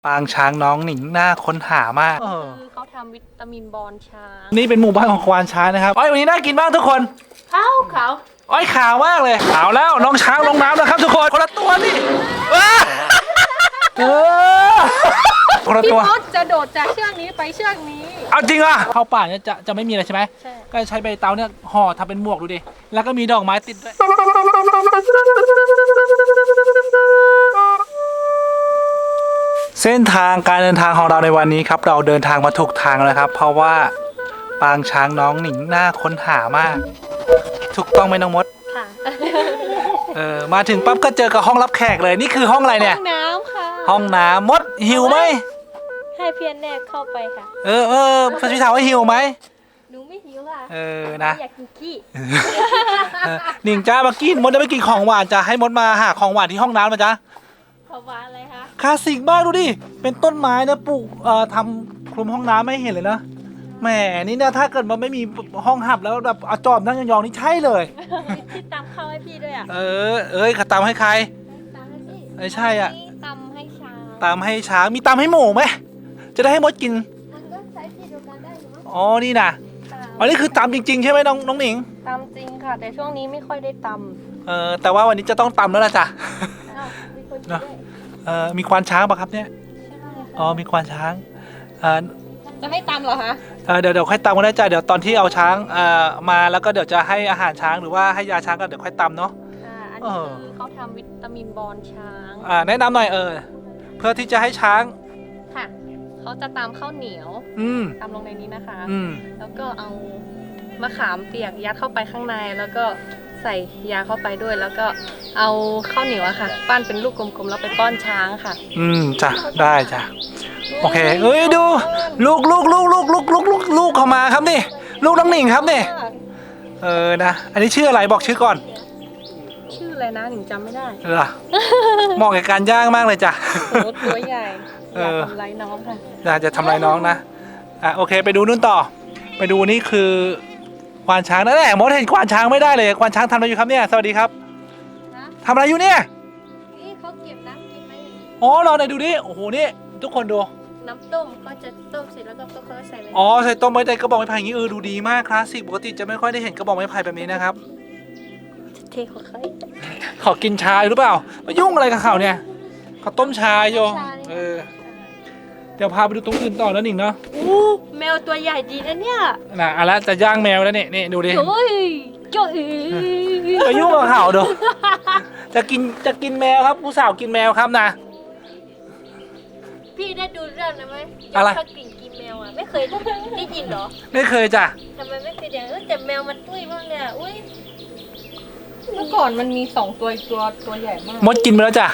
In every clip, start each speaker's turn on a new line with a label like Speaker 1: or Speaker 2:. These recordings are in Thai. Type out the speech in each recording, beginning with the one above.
Speaker 1: ปางช้างน้องหนิงน่าค้นหามาก
Speaker 2: คือเขาทำวิตามินบอลช้าง
Speaker 1: นี่เป็นหมู่บ้านของควานช้างนะครับอ้อยวันนี้น่ากินบ้างทุกคน
Speaker 2: เขา
Speaker 1: อ้อยขาวมากเลยขาวแล้วน้องช้างลงน้ำแล้วครับทุกคนคนละตัวนี่ว้าคนละ
Speaker 2: พี่
Speaker 1: ตัว
Speaker 2: มดจะโดดจากเชือกนี้ไปเชือกนี้
Speaker 1: เอาจริงอ่ะเข้าป่าเนี่ยจะไม่มีอะไรใช่ไหม
Speaker 2: ใช่
Speaker 1: ก็ใช้ใบเตาเนี่ยห่อทำเป็นหมวกดูดิแล้วก็มีดอกไม้ติดด้วยเส้นทางการเดินทางของเราในวันนี้ครับเราเดินทางมาถูกทางแล้วครับเพราะว่าปางช้างน้องหนิงน่าค้นหามากถูกต้องไหมน้องมด
Speaker 2: ค่ะ
Speaker 1: มาถึงปั๊บก็เจอกับห้องรับแขกเลยนี่คือห้องอะไรเนี่ย
Speaker 2: ห้องน้ำค่ะ
Speaker 1: ห้องน้ำมดหิวไหม
Speaker 2: ให้เพียนแนกเข้าไปค่ะ
Speaker 1: พี่ถามว่าหิวไหม
Speaker 2: หนูไม่หิวค่ะ
Speaker 1: นะ
Speaker 2: อยากกินขี้
Speaker 1: หนิงจ้ามากินมดได้ไปกินของหวานจะให้มดมาหาของหวานที่ห้องน้ำมาจ้า
Speaker 2: ขอวานอะไรคะ
Speaker 1: คลาสสิกมากดูดิเป็นต้นไม้นะปลูกทำคลุมห้องน้ำไม่เห็นเลยนะแหมนี่นะถ้าเกิดมันไม่มีห้องหับแล้วแบบเอาจอบนั่งยองๆนี่ใช่เลย
Speaker 2: ที่ตำข้าวให้พี่ด้วยอ่ะ
Speaker 1: ขาตามให้ใคร
Speaker 2: ตำให้พี่
Speaker 1: ไม่ใช่อ่ะ
Speaker 2: ตำให้ช้าง
Speaker 1: ตามให้ช้างมีตามให้หมูไหมจะได้ให้มดกิน
Speaker 2: มันก็ใช้ที่เดียวกันได้เนาะ
Speaker 1: อ๋อนี่นะอันนี้คือตามจริงๆใช่ไหมน้องหนิง
Speaker 2: ตำจริงค่ะ แต่ช่วงนี้ไม่ค่อยได้ตำ
Speaker 1: แต่ว่าวันนี้จะต้องตำแล้วล่ะจ้ะ
Speaker 2: อ้าวมีคนช่วย
Speaker 1: มีควานช้างป่ะครับเนี่ย
Speaker 2: ใช่ค่ะ
Speaker 1: อ๋อมีควานช้าง
Speaker 2: จะให้ตำเหรอคะ
Speaker 1: เดี๋ยวค่อยตำก็ได้จ้ะเดี๋ยวตอนที่เอาช้างมาแล้วก็เดี๋ยวจะให้อาหารช้างหรือว่าให้ยาช้างก็เดี๋ยวค่อยตำเนาะ
Speaker 2: อันนี้คือเขาทำวิตามินบอลช้าง
Speaker 1: แนะนำหน่อยเพื่อที่จะให้ช้าง
Speaker 2: ค่ะ เขาจะตำข้าวเหนียว ตำลงในนี้นะคะ แล้วก็เอามะขามเปียกยัดเข้าไปข้างใน แล้วก็ใส่ยาเข้าไปด้วย แล้วก็เอาข้าวเหนียวอะค่ะ ปั้นเป็นลูกกลมๆแล้วไปป้อนช้างค่ะ
Speaker 1: จ้ะได้จ้ะโอเคดูลูกเข้ามาครับนี่ลูกน้องหนิงครับนี่นะอันนี้ชื่ออะไรบอกชื่อก่อน
Speaker 2: ชื่ออะไรนะหนิงจำไม่ได้
Speaker 1: เหรอเหมาะกับการย่างมากเลยจ้ะ
Speaker 2: โหตัวใหญ่อยากทำร้ายน้องค่ะ
Speaker 1: น่าจะทำลายน้องนะโอเคไปดูนู่นต่อ ไปดูนี่คือควานช้างนั่นแหละมดเห็นควานช้างไม่ได้เลยควานช้างทำอะไรอยู่ครับเนี่ยสวัสดีครับ
Speaker 2: นะ
Speaker 1: ทำอะไรอยู่เนี่ย
Speaker 2: นี่เขาเก็บน้ำกินไหม
Speaker 1: อ๋อเราไหนดูดิโอ้โหนี่ทุกคนดู
Speaker 2: น้ำต้มก็จะต้มเสร็จแล้วก็ค่อยๆใส่ไป
Speaker 1: อ๋อใส่ต้มไม้ในกระบอกไม้ไผ่อย่างนี้ดูดีมากคลาสสิกปกติจะไม่ค่อยได้เห็นกระบอกไม้ไผ่แบบนี้นะครับ
Speaker 2: เทเขาค่อย
Speaker 1: ขอกินชาหรือเปล่ามายุ่งอะไรกับเขาเนี่ยเขาต้มชาโยเดี๋ยวพาไปดูตรงอื่นต่อแล้วหนิงเนาะ
Speaker 2: อู้แมวตัวใหญ่ดีนะเนี่ย
Speaker 1: เอาละจะย่างแมวแล้วนี่ดูดิ
Speaker 2: โอ้ยจ้อย
Speaker 1: มายุ่งกับเขาดูจะกินแมวครับผู้สาวกินแมวครับนะ
Speaker 2: พี่ได้ดูเรื่องนะไหม
Speaker 1: อะไร
Speaker 2: เขากลิ่นกินแมวอ่ะไม่เคยได้ยินเหรอ
Speaker 1: ไม่เคยจ้ะ
Speaker 2: ทำไมไม่เคยอย่างแต่แมวมันตุ้ยมากเนี่ยอุ้ยเมื่อก่อนมันมี2ตัวตัวใหญ่มาก
Speaker 1: มดกินไปแล้วจ้ะ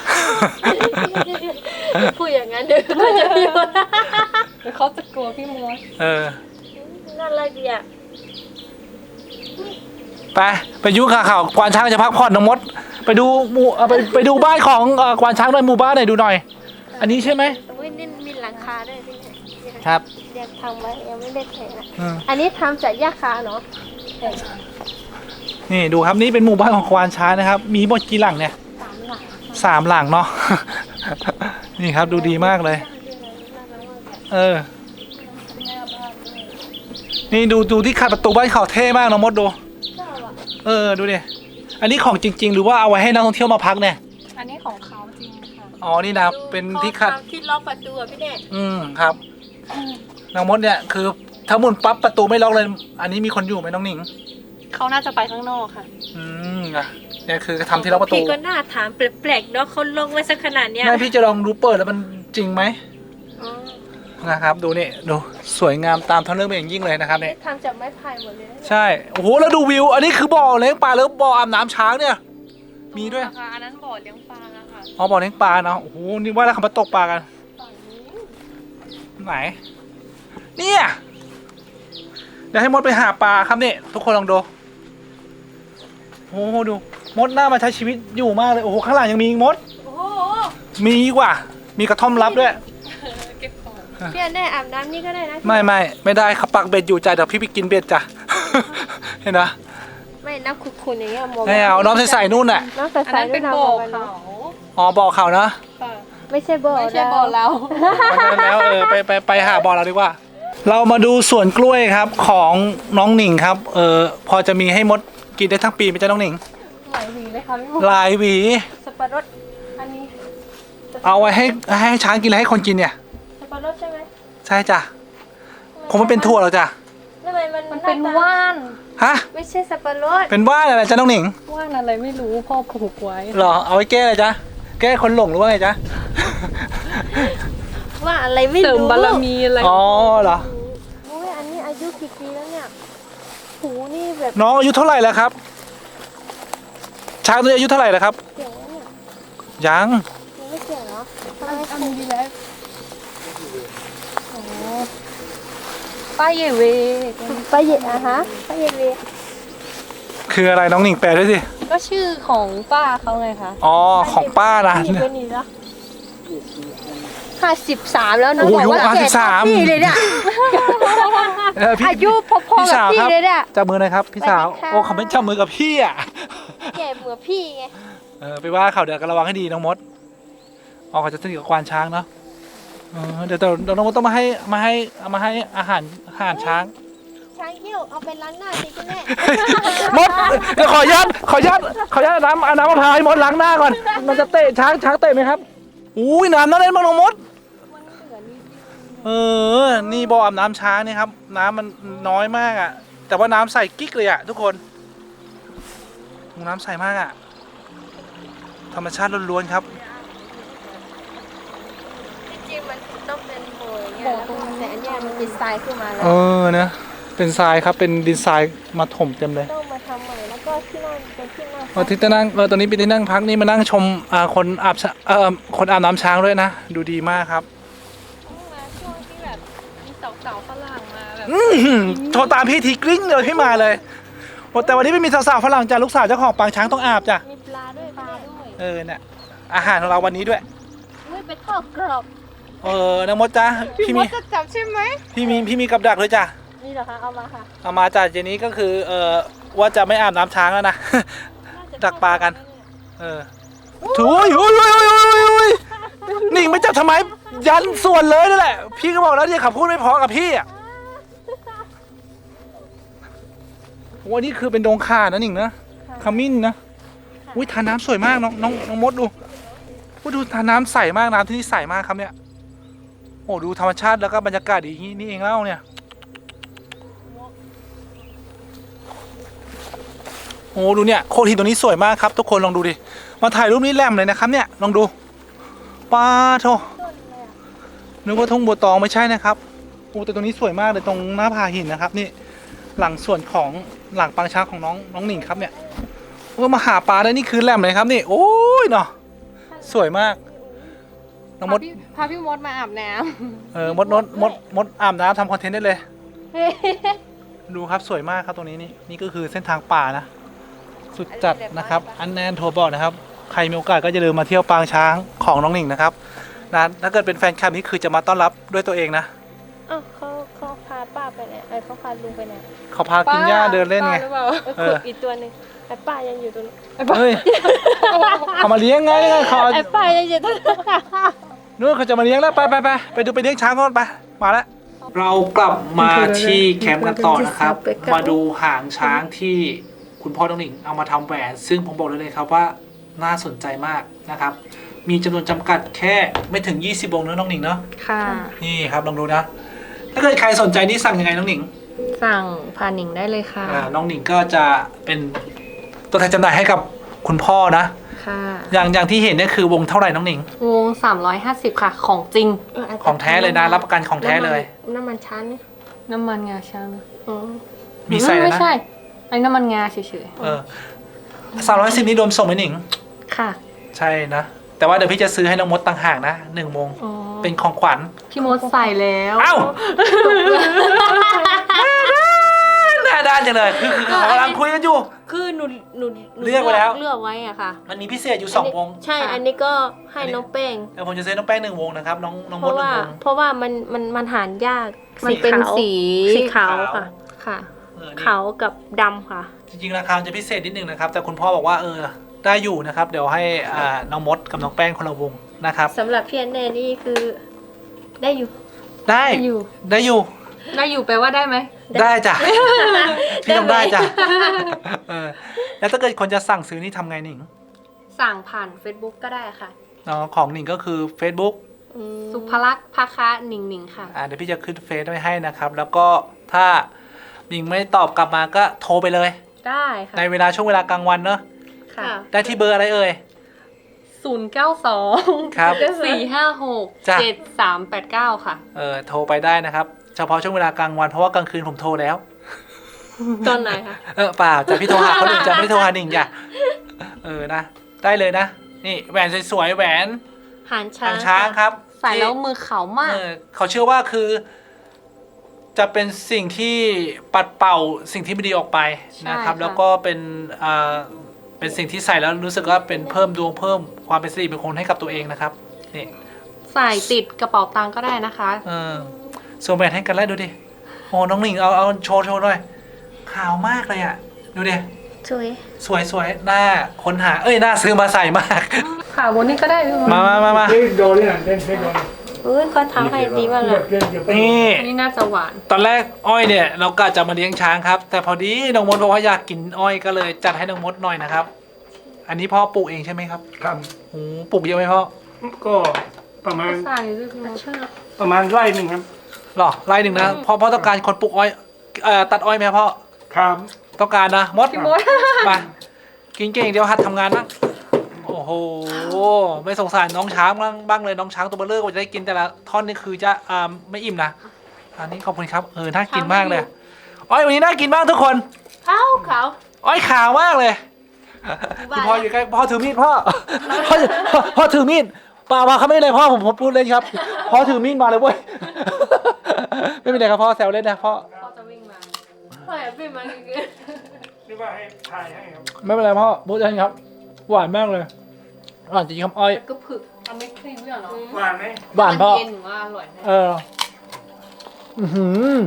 Speaker 2: พูดอย่างนั้นเดี๋ยวเขาจะพี่มดเดี๋ยวเขาจะกลัวพี่มดน่ารักดีอ่ะ
Speaker 1: ไปยุ่งกับเขาควานช้างจะพักผ่อนน้องมดไปดูไปดูบ้านของควานช้างหน่อยหมู่บ้านหน่อยดูหน่อย อันนี้ใช่ไหม
Speaker 2: อุ้ยนี่มีหลังคาด้วยพี่
Speaker 1: ครับ
Speaker 2: ยังทำไว้ยังไม่ได้เทอันนี้ทำจากหญ้าคาเนาะ
Speaker 1: นี่ดูครับนี่เป็นหมู่บ้านของควานช้างนะครับมีหมดกี่หลังเนี่ย
Speaker 2: 3 หลัง
Speaker 1: 3 หลังเนาะ นี่ครับดูดีมากเลย นี่ดูที่ขัดประตูบ้านเขาเท่มากน้องมดดูดูดิอันนี้ของจริง ๆ หรือว่าเอาไว้ให้นักท่องเที่ยวมาพักเนี่ย
Speaker 2: อันนี้ของเขาจริงค่ะ
Speaker 1: อ๋อนี่นะเป็นที่ขัด
Speaker 2: ที่ล็อกประตูพี่เน่
Speaker 1: ครับน้องมดเนี่ยคือถ้าหมุนปั๊บประตูไม่ล็อกเลยอันนี้มีคนอยู่ไหมน้องหนิง
Speaker 2: เขาน่าจะไปข้างนอกค่ะ
Speaker 1: เนี่ยคือทำที่ล็อกประตู
Speaker 2: พี่ก็น่าถามแปลกๆเนาะเขาลงไว้สักขนาดเนี้ย
Speaker 1: แม่พี่จะลองดูเปิดแล้วมันจริงไหม
Speaker 2: อ๋อ
Speaker 1: นะครับดูนี่ดูสวยงามตามท้องเรื่องเป็นอย่างยิ่งเลยนะครับเนี่ย
Speaker 2: ทำจากไม้ไผ่หมดเลย
Speaker 1: ใช่โอ้โหแล้วดูวิวอันนี้คือบ่อเลี้ยงปลาแล้วบ่ออาบน้ำช้างเนี่ยมีด้วย
Speaker 2: ค่ะอันนั้นบ่อเลี้ยงปลาค่ะ
Speaker 1: อ๋อบ่อเลี้ยงปลาเนาะโอ้โหนี่ว่าแล้วเขามาตกปลากัน
Speaker 2: ฝั่งนี้
Speaker 1: ไหนเนี่ยเดี๋ยวให้มดไปหาปลาครับเนี่ยทุกคนลองดูโอ้โหดูมดหน้ามาใช้ชีวิตอยู่มากเลยโอ้โหข้างหลังยังมีอีกมด
Speaker 2: โอ้โห
Speaker 1: มีอีกว่ามีกระท่อมลับด้วย
Speaker 2: เก็บของพี่อันได้อาบน้ำนี่ก็ได้นะ
Speaker 1: ไม่ได้เขาปักเบ็ดอยู่ใจเดี๋ยวพี่ไปกินเบ็ดจ้ะ เห็นนะ
Speaker 2: ไม่น้ำขุ่นๆอย่างเงี้ยมอง
Speaker 1: ไม่เอาน้องใส่นู่นน่ะ
Speaker 2: น้ำใสๆด้วยนะ
Speaker 1: อ๋อบ่อเขานะ
Speaker 3: ไม่ใช่บ่อ
Speaker 2: ไม่ใช่บ่อเรา
Speaker 1: เพราะฉะนั้นแล้วไปหาบ่อเราดีกว่า เรามาดูสวนกล้วยครับของน้องหนิงครับพอจะมีให้มดกินได้ทั้งปีไหมจ๊ะน้องหนิง
Speaker 2: หลายหวีเลยค่ะพี่มุก
Speaker 1: หลายหวี
Speaker 2: สับปะรดอันนี้
Speaker 1: เอาไว้ให้ช้างกินแล้วให้คนกินเนี่ย
Speaker 3: สับปะรดใช่ไหม
Speaker 1: ใช่จ้ะคงไม่เป็นถั่วหรอกจ้ะ
Speaker 3: ทำไมมัน
Speaker 2: มันเป็น
Speaker 3: หาต
Speaker 2: ว่าน
Speaker 1: ฮะ
Speaker 3: ไม่ใช่สับปะรด
Speaker 1: เป็นว่านอะไรจ๊ะน้องหนิง
Speaker 2: ว่านอะไรไม่รู้พ่อผูกไว้
Speaker 1: เหรอเอาไว้แก้อะไรจ๊ะแก้คนหลงหรือว่าไงจ๊ะ
Speaker 3: ว่าอะไรไม่รู้
Speaker 2: เสริมบารมีอะไร
Speaker 1: อ๋อเหรอ
Speaker 3: โอ้ยอันนี้อายุกี่ปีแล้วเนี่ยหูนี่แบบ
Speaker 1: น้องอายุเท่าไหร่แล้วครับ ช้างตัวนี้อายุเท่าไหร่แล้วครับ
Speaker 3: เสียงแล้วเนี่ย
Speaker 1: ยัง
Speaker 3: ยังไม่เสียงเหรอทำไม
Speaker 2: อันนี้ดีแล้วโอ้ป้าเยเว
Speaker 3: ไปเหยียดอะฮะไปเหยียดเลย
Speaker 1: คืออะไรน้องหนิงแปลด้วยสิ
Speaker 2: ก็ชื่อของป้าเขาไงคะ
Speaker 1: อ๋อของป้านะ
Speaker 3: พี่เป็นนี่แล้ว53แล้วนะ
Speaker 1: โอ้
Speaker 3: บ
Speaker 1: ย
Speaker 3: อกว่า
Speaker 1: อายุ
Speaker 3: แก่เท่า
Speaker 1: 53
Speaker 3: พี่เลยเนี่ย
Speaker 1: พี่
Speaker 3: อายุพอ
Speaker 1: พี่
Speaker 3: ๆกับ
Speaker 1: สาว
Speaker 3: พี่
Speaker 1: ครับ
Speaker 3: เลยเนี่ย
Speaker 1: จับมือหน่อยครับพี่สาว
Speaker 3: สวัสดีค่ะ
Speaker 1: โอ้เขาไม่จับมือกับพี่อ่ะ
Speaker 3: แก่เหมือนพี่ไง
Speaker 1: ไปว่าเขาเดี๋ยวก็ระวังให้ดีน้องมดเขาจะสนิทกับควานช้างเนาะเดี๋ยวน้องมดต้องมาให้อาหารช้าง
Speaker 3: ช้างเขี้ยวเอาไปล้างหน้าสิคุณแม่
Speaker 1: มดเดี๋ยวขออนุญาตเอาน้ำมะพร้าวให้มดล้างหน้าก่อน มันจะเตะช้างเตะไหมครับอุ้ยน้ำนั่นเล่นมากน้องมดนี่บ่ออาบน้ำช้างนี่ครับ น้ำมันน้อยมากอ่ะ แต่ว่าน้ำใสกิ๊กเลยอ่ะทุกคนน้ำใสมากอ่ะธรรมชาติล้วนๆครับ
Speaker 3: จริงๆมันต้องเป็นโบอย่างเงี้ยแล้วแต่อันเนี้ยมันเป็นทรายขึ้นมาแล้ว
Speaker 1: นะเป็นทรายครับเป็นดินทรายมาถมเต็มเลย
Speaker 3: ต้องมาทำใหม่แล้วก็ที่นั่นเป็นที่นั่ง
Speaker 1: ที่นั่งตอนนี้เป็นที่นั่งพักนี่มานั่งชมคนอาบน้ำช้างด้วยนะดูดีมากครับ
Speaker 2: มาช่วงที่แบบมีสาวๆฝรั่งมาแบบ
Speaker 1: โทรตามพี่ทีกริ้งเลยพี่มาเลยโอ้แต่วันนี้ไม่มีสาวๆฝรั่งจ้ะลูกสาวเจ้าของปางช้างต้องอาบจ้ะ
Speaker 3: มีปลาด้วยปลาด้วย
Speaker 1: เนี่ยอาหารของเราวันนี้ด้วย
Speaker 3: ไม่ไปทอดกรอบ
Speaker 1: น้องมดจ้ะพี่มี
Speaker 3: จะจับใช่ไหม
Speaker 1: พี่มีกับดักเลยจ้ะ
Speaker 3: นี่เหรอคะเอามาค่ะ
Speaker 1: เอามาจ้ะเจนี้ก็คือว่าจะไม่อาบน้ำช้างแล้วนะ ดักปลากันถุยหนิงไม่จับทำไมยันส่วนเลยนั่นแหละพี่ก็บอกแล้วเนี่ยขับพูดไม่พอกับพี่อ่ะวันนี้คือเป็นดงข่านะหนิงนะขมิ้นนะอุ้ยทาน้ำสวยมากน้องมดดูดูทาน้ำใสมากน้ำที่นี่ใสมากครับเนี่ยโอ้ดูธรรมชาติแล้วก็บรรยากาศดีอย่างนี้นี่เองเล่าเนี่ยโอ้ดูเนี่ยโคตรหินตัวนี้สวยมากครับทุกคนลองดูดิมาถ่ายรูปนี้แหลมเลยนะครับเนี่ยลองดูป้าโธ่นึกว่าทุ่งบัวตองไม่ใช่นะครับโอ้แต่ตรงนี้สวยมากเลยตรงหน้าผาหินนะครับนี่หลังส่วนของหลังปางช้างของน้องหนิงครับเนี่ยมาหาปลาได้นี่คือแหลมเลยครับนี่โอ้ยเนาะสวยมากน้องมด
Speaker 2: พาพี่มดมาอาบน้
Speaker 1: มดอาบน้ำทำคอนเทนต์ได้เลย
Speaker 2: ำ
Speaker 1: ดูครับสวยมากครับตรงนี้นี่ก็คือเส้นทางป่านะสุดจัดนะครับอันแนนโทรบอกนะครับใครมีโอกาสก็จะเดินมาเที่ยวปางช้างของน้องหนิงนะครับนะถ้าเกิดเป็นแฟนคลับนี่คือจะมาต้อนรับด้วยตัวเองนะ
Speaker 3: อ้าวเขาพาป้าไปไหนเขาพาลุงไปไหน
Speaker 1: เขาพากินหญ้าเดินเล่นไง
Speaker 2: ป้าหรือเปล่า
Speaker 3: ขุดอีกตัวหนึ่งไอ้ป้ายังอยู่ตรงนู้น
Speaker 1: เฮ้ยเขามาเลี้ยงไงเขา
Speaker 3: ไอ้ป้ายังอยู่ตรงนู้น
Speaker 1: นู้นเขาจะมาเลี้ยงแล้วไปดูไปเลี้ยงช้างก่อนไปมาแล้วเรากลับมาที่แคมป์กันต่อนะครับมาดูหางช้างที่คุณพ่อน้องหนิงเอามาทำแหวนซึ่งผมบอกเลยครับว่าน่าสนใจมากนะครับมีจำนวนจำกัดแค่ไม่ถึง20วงเนอะน้องหนิงเนาะ
Speaker 2: ค่ะ
Speaker 1: นี่ครับลองดูนะถ้าเกิดใครสนใจนี่สั่งยังไงน้องหนิง
Speaker 2: สั่งผ่านหนิงได้เลยค่ะ
Speaker 1: น้องหนิงก็จะเป็นตัวแทนจำหน่ายให้กับคุณพ่อนะ
Speaker 2: ค่ะ
Speaker 1: อย่างที่เห็นเนี่ยคือวงเท่าไหร่น้องหนิง
Speaker 2: วง350ค่ะของจริง
Speaker 1: ของแท้เลยนะรับประกันของแท้เลย
Speaker 3: น้ำมันชั้นนี่
Speaker 2: น้ำมันงาช้าง
Speaker 3: อ๋อ
Speaker 1: มีใส่เลย
Speaker 2: ไม่
Speaker 1: นะ
Speaker 2: ใช่ไอ้น้ำมันงาเฉย
Speaker 1: 310นี่รวมส่งไหมหนิง
Speaker 2: ๆค่ะ
Speaker 1: ใช่นะแต่ว่าเดี๋ยวพี่จะซื้อให้น้องมดต่างหากนะ1 วง
Speaker 2: อ๋อ
Speaker 1: เป็นของขวัญ
Speaker 2: พี่มดใส่แล้ว
Speaker 1: เอ้าหน้าด้านจังเลยคือเขากำลังคุยกันอยู่
Speaker 3: คือหนู
Speaker 1: เลือกไว้แล้ว
Speaker 3: เลือกไว้อะค่ะ
Speaker 1: มันมีพิเศษอยู่2 วง
Speaker 3: ใช่อันนี้ก็ให้น้องแป้ง
Speaker 1: เดี๋ยวผมจะซื้อน้องแป้ง1 วงนะครับน้อง
Speaker 3: เพ
Speaker 1: มด
Speaker 3: ราะ
Speaker 1: 1
Speaker 3: ว่าว
Speaker 1: ง
Speaker 3: เพราะว่ามันหารยาก
Speaker 2: มันเป็นสี
Speaker 3: สีขาวค่ะ ค่ะ
Speaker 1: นี่
Speaker 3: ขาวกับดำค่ะ
Speaker 1: จริงๆราคามันจะพิเศษนิดนึงนะครับแต่คุณพ่อบอกว่าได้อยู่นะครับเดี๋ยวให้น้องมดกับน้องแป้งคนละวงนะครับ
Speaker 3: สำหรับพี่แอนเน่นี่คือได้อยู่
Speaker 1: ได้
Speaker 2: ได้อยู่
Speaker 1: ได้อยู่
Speaker 2: ได้อยู่แปลว่าได้ไหม
Speaker 1: ได้จ้ะพี่ทำได้จ้ะเออแล้วถ้าเกิดคนจะสั่งซื้อนี่ทำไงหนิง
Speaker 2: สั่งผ่าน Facebook ก็ได้ค่ะ
Speaker 1: อ๋อของหนิงก็คือ Facebook
Speaker 2: สุภลักษณ์ภาคะหนิงหนิงค่ะ
Speaker 1: เดี๋ยวพี่จะขึ้นเฟซไว้ให้นะครับ แล้วก็ถ้าหนิงไม่ตอบกลับมาก็โทรไปเลย
Speaker 2: ได้ค่ะ
Speaker 1: ในเวลาช่วงเวลากลางวันเนอะ
Speaker 2: ค่ะ
Speaker 1: ได้ที่เบอร์อะไรเอ่ย
Speaker 2: 092
Speaker 1: ครับ
Speaker 2: 456
Speaker 1: จ้ะ
Speaker 2: 7389 ค่ะ
Speaker 1: โทรไปได้นะครับ เฉพาะช่วงเวลากลางวันเพราะว่ากลางคืนผมโทรแล้ว
Speaker 2: ตอนไหนคะ
Speaker 1: เปล่าจะพี่โทรหาคนอื่นจะไม่ได้โทรหาหนิงจ้ะนะได้เลยนะ นี่แหวนสวยๆแหวน
Speaker 2: หางช้า
Speaker 1: ทาง งช้างครับ
Speaker 2: ใส่แล้วมือขาวมาก
Speaker 1: เขาเชื่อว่าคือ จะเป็นสิ่งที่ปัดเป่าสิ่งที่ไม่ดีออกไปนะครับ
Speaker 2: ใช่ค่ะ
Speaker 1: แล้วก็เป็นสิ่งที่ใส่แล้วรู้สึกว่าเป็นเพิ่มดวงเพิ่มความเป็นสิริมงคลให้กับตัวเองนะครับนี่
Speaker 2: ใส่ติดกระเป๋าตังค์ก็ได้นะคะ
Speaker 1: สวมแหวนให้กันแล้วดูดิโอ้น้องหนิงเอาโชว์หน่อยขาวมากเลยอ่ะดูดิ
Speaker 3: สวย
Speaker 1: สวยหน้าค้นหาหน้าซื้อมาใส่มาก
Speaker 2: ค่ะบนนี้ก็ได้พี่มด
Speaker 1: มา
Speaker 4: เล่นโดนนี่นะเล่นโดน
Speaker 3: อุ้ยเขาทำให้ดีมากเลย
Speaker 4: เล่นอย่าไป
Speaker 1: นี่
Speaker 2: อันนี้น่าจะหวาน
Speaker 1: ตอนแรกอ้อยเนี่ยเรากะจะมาเลี้ยงช้างครับ แต่พอดีน้องมดบอกว่าอยากกินอ้อยก็เลยจัดให้น้องมดหน่อยนะครับ อันนี้พ่อปลูกเองใช่ไหมครับ
Speaker 4: ครับ
Speaker 1: โอ้ปลูกเยอะไหมพ่อ
Speaker 4: ก็ประมาณ
Speaker 2: ใส่ด้วยพี่มด
Speaker 4: ประมาณไร่หนึ่งครับ
Speaker 1: หรอไร่หนึ่งนะพ่อต้องการคนปลูกอ้อยตัดอ้อยไหมพ่อ
Speaker 4: ครับ
Speaker 1: ต้องการนะมด
Speaker 2: พี่มด
Speaker 1: มากินเก่งเดี๋ยวหัดทำงานบ้างโอ้โหไม่สงสารน้องช้างบ้างเลยน้องช้างตัวเบลเลอร์กว่าจะได้กินแต่ละท่อนนี่คือจะไม่อิ่มนะอันนี้ขอบคุณครับน่ากินมากเลยอ้อยวันนี้น่ากินมากทุกคน
Speaker 3: ขาว
Speaker 1: อ้อยขาวมากเลยคุณพ่ออยู่ใกล้พ่อถือมีดพ่อพ่อถือมีดเปล่าเขาไม่ได้เลยพ่อผมพูดเล่นครับพ่อถือมีดมาเลยเว้ยไม่เป็นไรครับพ่อแซวเล่นนะพ่อ
Speaker 2: พ่อจะวิ่งมา
Speaker 3: พ่อแอบพี่มันคือ
Speaker 4: นี่ว่าให้ถ่ายให้ครับ
Speaker 1: ไม่เป็นไรพ่อพูดเล่นครับหวานมากเลยหวานจริงครับอ้อย
Speaker 2: ก็ผึกมันไม่ครีมด้วยเหรอ
Speaker 4: หวานไหม
Speaker 1: หวานพ่อ
Speaker 2: เย็นหรือว่าอร่อยแน่
Speaker 1: อื้อหือ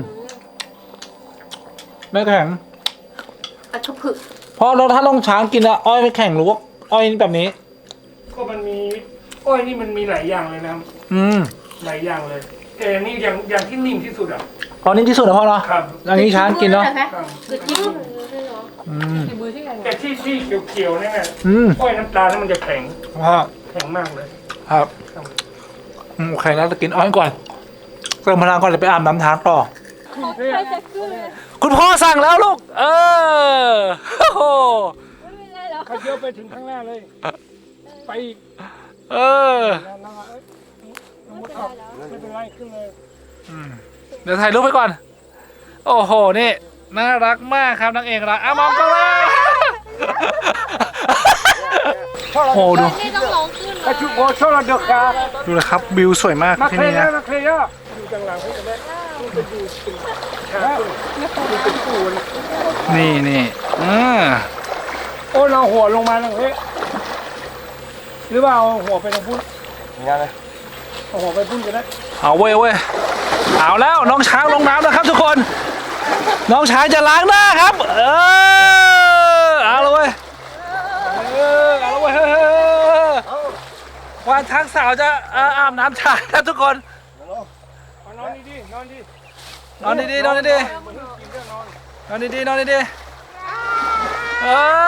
Speaker 1: ไม่แข็ง
Speaker 3: อัชผึก
Speaker 1: เพราะเราถ้าลองช้างกินอะอ้อยไม่แข็งหรือว่าอ้อยแบบนี้
Speaker 4: ก็มันมีอ้อยนี่มันมีหลายอย่างเลยนะครับ หลายอย่างเลยแต่นี่อย่างที่นิ่มที่สุดอ่ะ
Speaker 1: ตอนนี้ที่สุดนะพ่อเนาะ
Speaker 4: ครับ
Speaker 1: อย่างนี้ช้างกินเนาะ
Speaker 4: ครับ
Speaker 3: คือที่
Speaker 2: ที่มือที่ไหน
Speaker 4: แต่ที่เขียวๆเนี่ย
Speaker 1: อืม
Speaker 4: อ้อยน้ำตาลนี่มันจะแข็ง
Speaker 1: พ่อ
Speaker 4: แข็งมากเลย
Speaker 1: ครับโอเคแล้วจะกินอ้อยก่อนเติมพลังก่อนจะไปอาบน้ำช้างต่อ
Speaker 3: ใครจะขึ้นเลย
Speaker 1: คุณพ่อสั่งแล้วลูก โอ้โห
Speaker 3: ไม่เป็นไรหรอก
Speaker 4: เขาเยอะไปถึงข้างหน้าเลย ไปอีก
Speaker 1: เออ
Speaker 4: แล้วไม่เป็นไรขึ้นเลย
Speaker 1: เดี๋ยวถ่ายรูปไปก่อน โอ้โห นี่น่ารักมากครับนางเอกรักมองกล้องเลยโอ้โหดู
Speaker 2: นี่ต้องร้องขึ้น
Speaker 4: กระชุกโอชอระเดกา
Speaker 1: ดูเลยครับวิวสวยมาก
Speaker 4: มา
Speaker 1: ที่
Speaker 4: เคลี
Speaker 1: นี่
Speaker 4: ย
Speaker 1: นะ
Speaker 4: ร์มาเคลียร์อยู่จังหลังให้กันได้มันจะอยู่เป็นปูน
Speaker 1: นี่
Speaker 4: โอ้เราหัวลงมาแล้วเฮ้ยหรือว่าเอาหัวไปทางพุ่นงั้นเลยเอาหัวไปพุ่นก็ได้
Speaker 1: เอาเว้ยเอาแล้วน้องช้างลงน้ำแล้วครับทุกคน น้องช้างจะล้างหน้าครับ เอาเลยเว้ยเอาเลยเว้ยวานช้างสาวจะอาบน้ำช้างครับทุกคน
Speaker 4: เอานอนดีๆนอนดี
Speaker 1: นอนดีๆนอนดี
Speaker 4: กินเรื่องนอน
Speaker 1: ๆนอนดีๆนอนดีๆ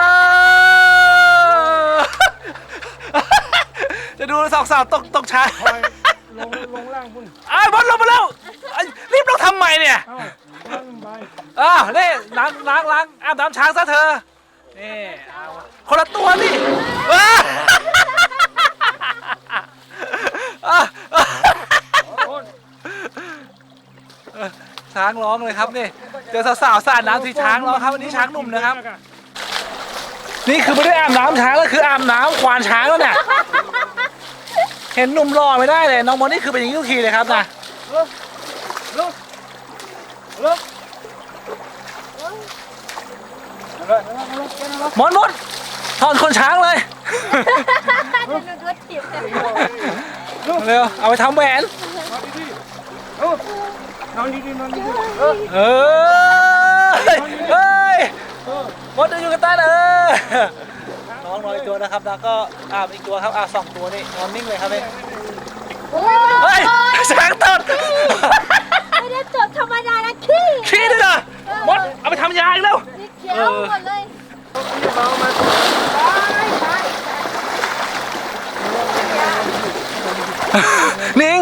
Speaker 1: จะดูสองสาวตกช้าง
Speaker 4: คอยลงล่างพุ่น
Speaker 1: บอลลงมาแล้วรีบลงทำไมเนี่ย
Speaker 4: เอ้าล่างไป
Speaker 1: นี่ล้างอาบน้ำช้างซะเธอ นี่เอาคนละตัวนี่ว้าช้างร้องเลยครับนี่เจอสาวๆสาดน้ำที่ช้างร้องครับวันนี้ช้างหนุ่มนะครับ นี่คือไม่ได้อาบน้ำช้างแล้วคืออาบน้ำควานช้างแล้วเนี่ยเห็นหนุ่มหล่อไม่ได้เลยน้องมดนี่คือเป็นอย่างนี้ทุกทีเลยครับนะ
Speaker 4: ลุก
Speaker 1: มดถอนคนช้างเลย
Speaker 3: รถเทียบกัน
Speaker 1: เร็วเอาไปทำแหวน
Speaker 4: นอนดีๆนอนดี
Speaker 1: เฮ้ยมดอยู่กันใต้นอนต้องรออีกตัวนะครับแล้วก็อีกตัวครับ2 ตัวนี่นอนนิ่งเลยครับนี่เฮ้ยช้างตด
Speaker 3: ไม่ได้จดธรรมดานะขี้
Speaker 1: ขี้ด้วยเหรอมดเอาไปทำยาอีกแล้ว
Speaker 3: นี่เขียวหมดเลย
Speaker 1: นิ่ง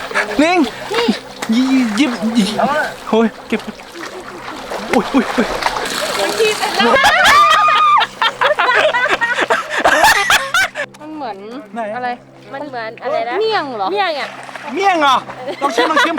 Speaker 1: ยิบโอ้ยเก็บอุ้ย
Speaker 2: มันขี้เสร็จแล้วมันเหมือน
Speaker 1: ไหน
Speaker 2: อะไร
Speaker 3: มันเหมือนอะไรนะ
Speaker 2: เมี่ยงเหรอ
Speaker 3: เมี่ยงอ่ะ
Speaker 1: เมี่ยงเหรอลองชิม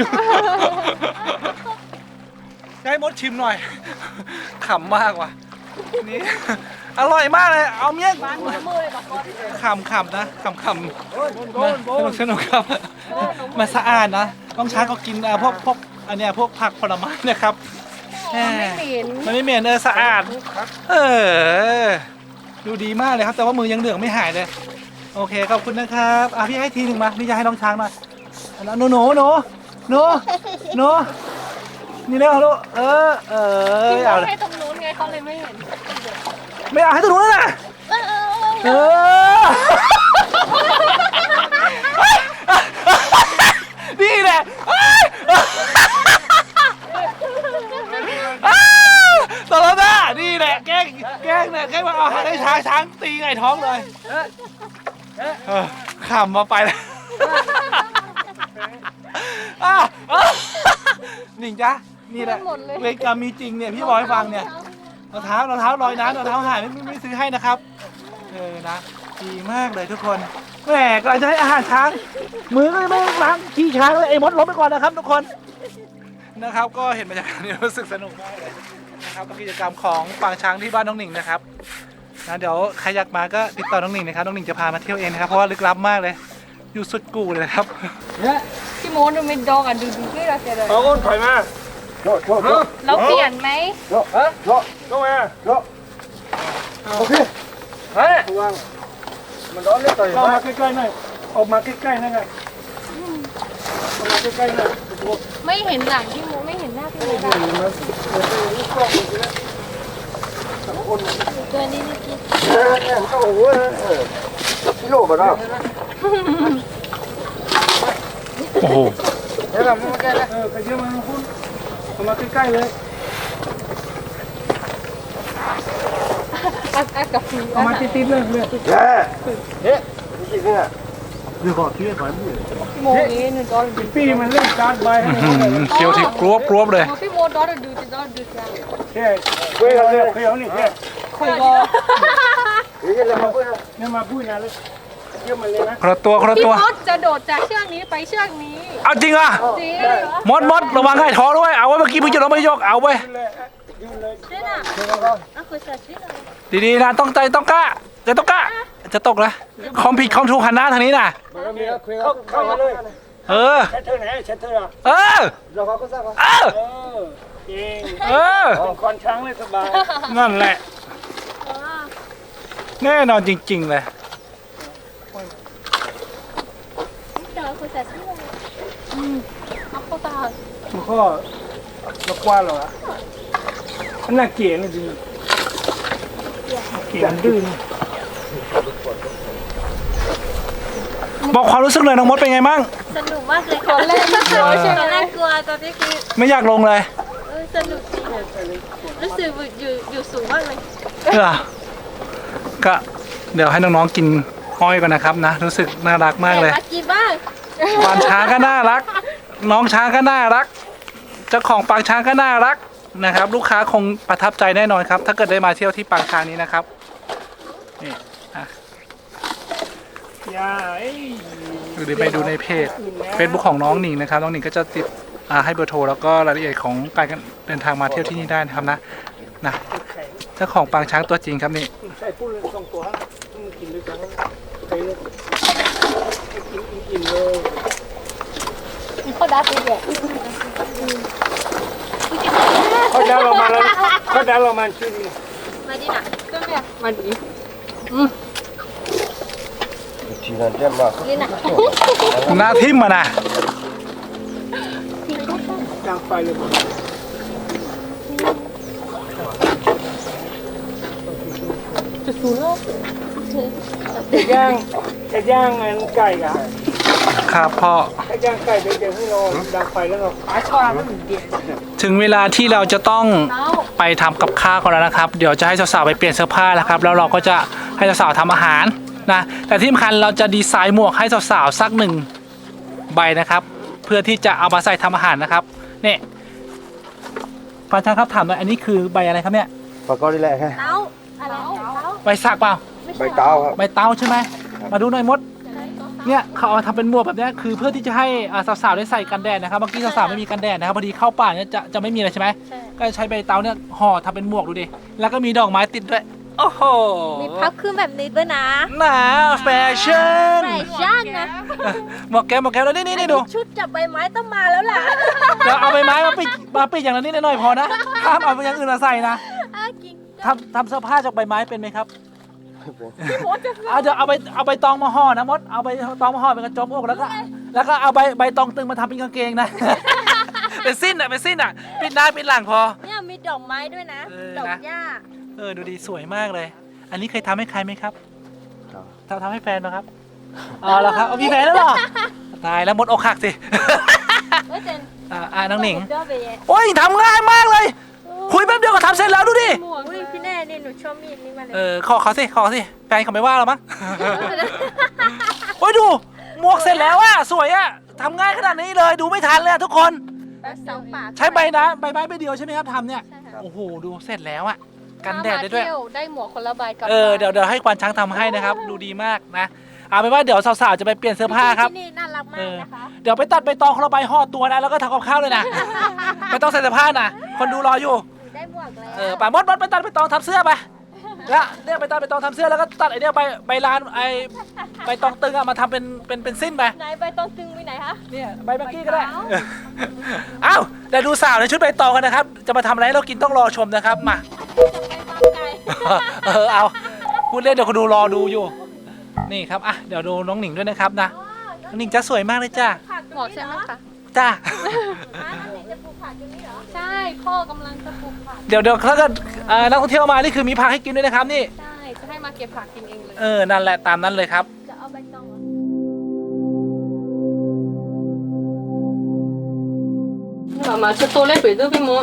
Speaker 1: ให้มดชิมหน่อยขำมากว่ะนี่อร่อยมากเลยเอาเมี่ยงขำนะขำสนุกครับมันสะอาดนะต้องช้างก็กินพวกอันเนี้ยพวกผักผลไม้นะครับมันไม่เหม็นสะอาดดูดีมากเลยครับแต่ว่ามือยังเหลืองไม่หายเลยโอเคขอบคุณนะครับพี่ให้ทีหนึ่งมาพี่จะให้น้องช้างหน่อยหนูนี่แล้วลูก
Speaker 2: พี่ม
Speaker 1: เอา
Speaker 2: ด
Speaker 1: เลย
Speaker 2: ให้ตรงนู้นไงเขาเลยไม่เห็น
Speaker 1: ไม่เอาให้ตัวนู้นนะนี่แหละตลอดนะนี่แหละแกล้งเนี่ยแกล้งมาเอาให้ช้างตีไงท้องเลยขำมาไปเลยหนิงจ๊ะนี่แหละเวรกรรมมีจริงเนี่ยพี่บอกให้ฟังเนี่ยรองเท้ารอยน้ำรองเท้าหายไม่ซื้อให้นะครับนะดีมากเลยทุกคนแหมกำลังจะให้อาหารช้างมือก็ไม่ล้างขี้ช้างเลยไอ้มดล้มไปก่อนนะครับทุกคนนะครับก็เห็นบรรยากาศนี้รู้สึกสนุกมากเลยนะครับกับกิจกรรมของปางช้างที่บ้านน้องหนิงนะครับนะเดี๋ยวใครอยากมาก็ติดต่อน้องหนิงนะครับน้องหนิงจะพามาเที่ยวเองนะครับเพราะว่าลึกลับมากเลยอยู่สุดกูเลยครับ
Speaker 2: พี่มดดูไม่ดองอ่ะดูที่เราเจอเลย
Speaker 4: เอาอ้นถอยมา
Speaker 2: เราเปลี่ยนไหม
Speaker 4: ลงมาโอเคเฮ้ยมันร้อนเลยต่อยเข้ามาใกล้ๆหน่อยออกมาใกล้ๆหน่อยออกมาใกล้ๆหน่อย
Speaker 2: ไม่เห็นหลังพี่มดไม่เห็นหน้าพี่มดอ่ะ
Speaker 3: ตัวนี้นี่กิน
Speaker 4: โอ้โหกิโลบ่ได้
Speaker 1: โอ้โห
Speaker 4: เดี๋ยวเรามาใกล้แล้วใครเชื่อมาคุณเข้ามาใกล้ๆเลย
Speaker 2: กับฟี
Speaker 4: เข้ามาติดๆเลยเฮ้ยจริงๆเนี่ยเดี๋ยวก่อนที่จะถอยมือ
Speaker 2: พี่มดนี่หนึ่งดอลดู
Speaker 4: ปีมันเล่นการ์ดใบ
Speaker 1: เคี้ยวที่กรวบเลย
Speaker 2: พี่มดดอลดูจะดอลดูยัง
Speaker 4: เฮ้ยเฮ้ยเอาเลยเฮ้ยเอานี่เฮ้ย
Speaker 2: คุยก็
Speaker 4: เนี่ยมาพูดนะเลยเยี่ยมมาเลยนะ
Speaker 1: คนละตัว
Speaker 2: พี่มดจะโดดจากเชือกนี้ไปเชือกนี้
Speaker 1: เอาจริงอ่ะ
Speaker 2: จริง
Speaker 1: มดระวังให้ท้อด้วยเอาไว้เมื่อกี้มึงจะลงไม่ยกเอาไว้
Speaker 3: นี่น่ะอ่ะคุณใส่ชิ้นอะไร
Speaker 1: ดีๆนะต้องกล้าจะตกนะคอมผิดคอมถูกหันหน้าทางนี้นะ
Speaker 4: เข้ามาเลย
Speaker 1: เออ
Speaker 4: เช็ดเธอไหนเช็ดเธอ
Speaker 1: เออ
Speaker 4: เราเขาก็ทราบว่า
Speaker 1: เออ
Speaker 4: จริง
Speaker 1: เออ
Speaker 4: คอนช้างเลยสบาย
Speaker 1: นั่นแหละแน่นอนจริงๆเลย
Speaker 3: เดี๋ยวคุณใส่ชิ้นอะไร
Speaker 2: เอาเข้าตา
Speaker 4: มันก็เรากว้านหรออันน่าเกลียดนะจริงเกลียดดื้อ
Speaker 1: บอกความรู้สึกเลยน้องมดเป็นไงบ้าง
Speaker 3: สนุกมากเลย
Speaker 2: ตอนแรกไม่กลัวใช่ไหม
Speaker 3: ตอนแรกกลัวตอนนี้คือ
Speaker 1: ไม่อยากลงเลย
Speaker 3: สนุกจริงรู้สึกอยู่สูงมากเลย
Speaker 1: ก็เดี๋ยวให้น้องๆกินอ้อยก่อนนะครับนะรู้สึกน่ารักมากเลย
Speaker 3: มากินบ้าง
Speaker 1: ปางช้างก็น่ารัก น้องช้างก็น่ารักเจ้าของปางช้างก็น่ารักนะครับ ลูกค้าคงประทับใจแน่นอนครับ ถ้าเกิดได้มาเที่ยวที่ปางช้างนี้นะครับนี่
Speaker 4: อย่า
Speaker 1: ไปดูในเพจ Facebook ของน้องหนิงนะครับน้องหนิงก็จะติดให้เบอร์โทรแล้วก็รายละเอียดของการเดินทางมาเที่ยวที่นี่ได้นะครับนะเจ้าของปางช้างตัวจริงครับนี่
Speaker 4: ใช่พูดเลยสองตัวต้องกินด้วยกันไปเลยกินเลย
Speaker 2: เขาดัดไปเลย
Speaker 4: เขาดาวเรามาแล้วเขาดาวเรามาชื่อนี้
Speaker 3: มาดิน่ะ
Speaker 2: ก็เนี่ยมาดี
Speaker 3: นี่น่ะ
Speaker 1: หน้าทิ่มมานะ
Speaker 4: จางไฟเลย
Speaker 2: จะสูงแล้ว
Speaker 4: จะย่างอันไก่อะ
Speaker 1: ครับพ่อ
Speaker 4: จะย่างไก่เดี๋ยวให้เราดังไฟแล้วเรา
Speaker 1: ถึงเวลาที่เราจะต้องไปทำกับข้าวกันแล้วนะครับ เดี๋ยวจะให้สาวๆไปเปลี่ยนเสื้อผ้าแล้วครับ แล้วเราก็จะให้สาวๆทำอาหารนะ แต่ที่สำคัญเราจะดีไซน์หมวกให้สาวๆสัก1 ใบนะครับ เพื่อที่จะเอามาใส่ทำอาหารนะครับเนี่ยฟังช่างครับถามหน่อยอันนี้คือใบอะไรครับเนี่ย
Speaker 5: ปากกอนี่แหละแค่
Speaker 3: เต้าอะไรเต้า
Speaker 1: ใบสักเปล่า
Speaker 5: ใบเต้าครับ
Speaker 1: ใบเตาใช่ไหมมาดูหน่อยมดเนี่ยเขาเอามาทำเป็นหมวกแบบเนี้ยคือเพื่อที่จะให้สาวๆได้ใส่กันแดดนะครับเมื่อกี้สาวๆไม่มีกันแดดนะครับพอดีเข้าป่าเนี่ยจะไม่มีอะไรใช่ไหม
Speaker 3: ใช่
Speaker 1: ก็จะใช้ใบเตาเนี่ยห่อทำเป็นหมวกดูดิแล้วก็มีดอกไม้ติดด้วยโอ้โห
Speaker 3: มีพับขึ้นแบบนี้ด้วยนะ
Speaker 1: หนาแฟชั่น
Speaker 3: แฟชั่นนะ
Speaker 1: หมวกแก้วแล้วนี่ดู
Speaker 3: ชุดจับใบไม้ต้องมาแล้วล่ะ
Speaker 1: เดี๋ยวเอาใบไม้มาปิดอย่างละนิดหน่อยพอนะห้ามเอาอย่างอื่นมาใส่นะ
Speaker 3: กิน
Speaker 1: ทำเสื้อผ้าจากใบไม้เป็นไหมครับเดี๋ยวเอาใบตองมาห่อนะมดเอาใบตองมาห่อเป็นกระจมอกแล้วก็เอาใบตองตึงมาทำเป็นกางเกงนะ เป็นสิ้นอ่ะปิดหน้าปิดหลังพอ
Speaker 3: เนี่ยมีดอกไม้ด้วยนะ ดอกหญ้า
Speaker 1: ดูดีสวยมากเลย อันนี้เคยทำให้ใครไหมครับทำให้แฟนนะครับอ๋อแล้วครับมีแฟนแล้วเหรอตายแล้วมดอกหักสิ
Speaker 3: เฮ้ยเจน
Speaker 1: น้องหนิง
Speaker 3: ชอบไปแย่
Speaker 1: โอ้ยทำง่ายมากเลย คุยแป๊บเดียวก็ทำเสร็จแล้วดูดิ
Speaker 3: อุ้ยพี่แน่นี่หนูชอบมีดนี่มาเลย
Speaker 1: ขอเขาสิแฟนเขาไม่ว่าหรอมั้ง โอ้ยดูหมวกเสร็จแล้วอะสวยอะทำง่ายขนาดนี้เลยดูไม่ทันเลยอะทุกคน
Speaker 3: แบบสองปาก
Speaker 1: ใช้ใบไม้ใบเดียวใช่ไหมครับทำเนี่ยโอ้โหดูเสร็จแล้วอะกันแดดได้ด้วย
Speaker 2: ถ้ามาเที่ยวได้หมวกคนละใบกับ
Speaker 1: เดี๋ยวให้ควานช้างทำให้นะครับ ดูดีมากนะเอาเป็นว่าเดี๋ยวสาวๆจะไปเปลี่ยนเสื้อผ้าครับ
Speaker 3: ที่นี่น่ารักมากนะคะ
Speaker 1: เดี๋ยวไปตัดใบตองคนละใบห่อตัวนะแล้วก็ทำกับข้าวเลยนะ ไม่ต้องใส่เสื้อผ้านะคนดูรออยู่
Speaker 3: ได้หมวกแล้ว
Speaker 1: ไปมดไปตัดใบตองทำเสื้อไปแล้วเนี่ยไปตัดใบตองทำเสื้อแล้วก็ตัดไอเนี่ยใบลานใบตองตึงอะมาทำเป็นสิ้นไป
Speaker 3: ไหนใบตองตึงไปไหนคะ
Speaker 1: เนี่ยใบเมื่อกี้ก็ได้ อ้าวแต่ดูสาวในชุดใบตองกันนะครับ จะมาทำอะไรให้เรากินต้องรอชมนะครับมา
Speaker 3: จะไปฟาร์มไก่
Speaker 1: เอาพูดเล่นเดี๋ยวคนดูรอดูอยู่นี่ครับเดี๋ยวดูน้องหนิงด้วยนะครับนะน้องหนิงจะสวยมากเลยจ้า
Speaker 3: ผัก
Speaker 2: หมวกใช่ไหมคะ
Speaker 1: จ้า
Speaker 3: น้องหนิงจะปลูกผักตรงนี้เหรอ
Speaker 2: ใช่พ่อกำลังจะปลูกผัก
Speaker 1: เดี๋ยวถ้าเกิดนักท่องเที่ยวมานี่คือมีผักให้กินด้วยนะครับนี่
Speaker 2: ใช่จะให้มาเก็บผักกินเองเลย
Speaker 1: นั่นแหละตามนั้นเลยครับ
Speaker 3: จะเอาใบตองเหรอ
Speaker 2: มามาจะโตเล็กไปด้วยพี่หมอ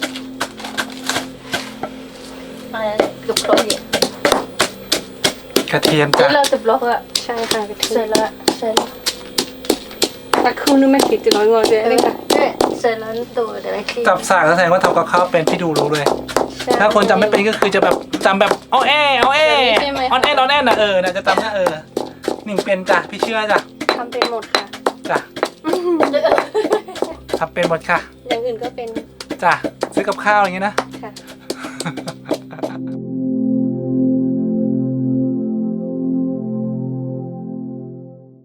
Speaker 3: ลูกโคลนเนี่ย
Speaker 1: กระเทียม
Speaker 3: เดี๋
Speaker 1: จ้ะ
Speaker 3: ยวเราจะบล็อกอะ
Speaker 2: ใช่ค่ะกระเที
Speaker 3: เสร็
Speaker 2: ย
Speaker 3: จ
Speaker 2: ม
Speaker 3: แล้วเสร็จแล้ว
Speaker 2: แต่คือนึกไม่คิดจะน้อยงอเจ๊เลยค่ะ
Speaker 3: เนี่ยเสร็จแล้วตัวเดี๋ยวไปคลีน
Speaker 1: จับสากแสดงว่าทำกับข้าวเป็นพี่ดูรู้เลย ถ้าคนจำไม่เป็นก็คือจะแบบจำแบบเอาแอนแอนน่ะน่าจะจำนะหนิงเป็นจ้ะพี่เชื่อจ้ะ
Speaker 2: ทำเป็นหมดค่ะ
Speaker 1: จ้ะทำเป็นหมดค่ะ
Speaker 2: อย่างอื่นก็เป็น
Speaker 1: จ้ะซื้อกับข้าวอย่างงี้นะ
Speaker 2: ค่ะ